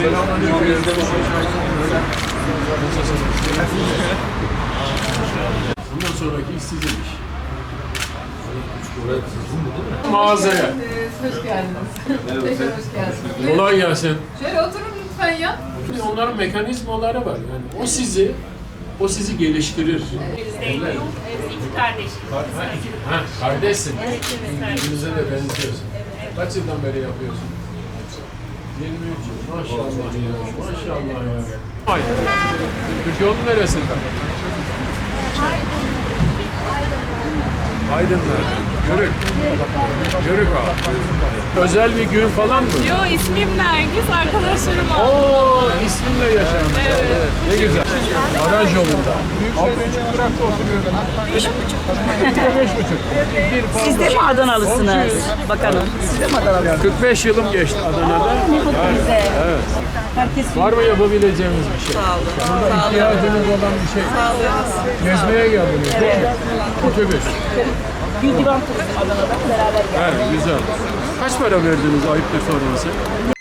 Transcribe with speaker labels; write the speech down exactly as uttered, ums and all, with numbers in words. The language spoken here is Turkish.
Speaker 1: Bundan sonraki iş sizin iş. Mağazaya.
Speaker 2: Hoş geldiniz. Tekrar hoş geldiniz.
Speaker 1: Kolay gelsin.
Speaker 2: Şöyle oturun lütfen ya.
Speaker 1: Onların mekanizmaları var. Yani o sizi o sizi geliştirir.
Speaker 3: Zeynep, iki kardeş.
Speaker 1: Ha, kardeşsin.
Speaker 3: Evet, evet.
Speaker 1: Birbirinize de benziyorsun. Kaç yıldan beri yapıyorsun? yirmi üç yıl. Maşallah ya. Maşallah ya. Ay. Türkiye'nin neresinde? Aydın'da. Yörük. Yörük abi. Özel bir gün falan mı?
Speaker 3: Yo, ismim Nergis, arkadaşlarım oldu.
Speaker 1: Oo, isminle yaşanmış. Evet. Ne güzel. Baraj yolunda. Büyükşehir'de durakta oturuyorum. Beş buçuk. Beş buçuk.
Speaker 4: Siz de mi Adanalısınız bakanım? Siz de mi Adanalısınız?
Speaker 1: kırk beş yılım geçti Adana'da.
Speaker 4: Bize.
Speaker 1: Evet.
Speaker 4: Herkes
Speaker 1: Var mı yapabileceğimiz bir şey?
Speaker 4: sağ olun.
Speaker 1: Burada ihtiyacınız olan bir şey. Gezmeye geldiniz değil mi? Otobüs.
Speaker 4: Bir divan turizm Adana'da beraber geldik.
Speaker 1: Evet, güzel. Kaç para verdiniz ayıptır sorması?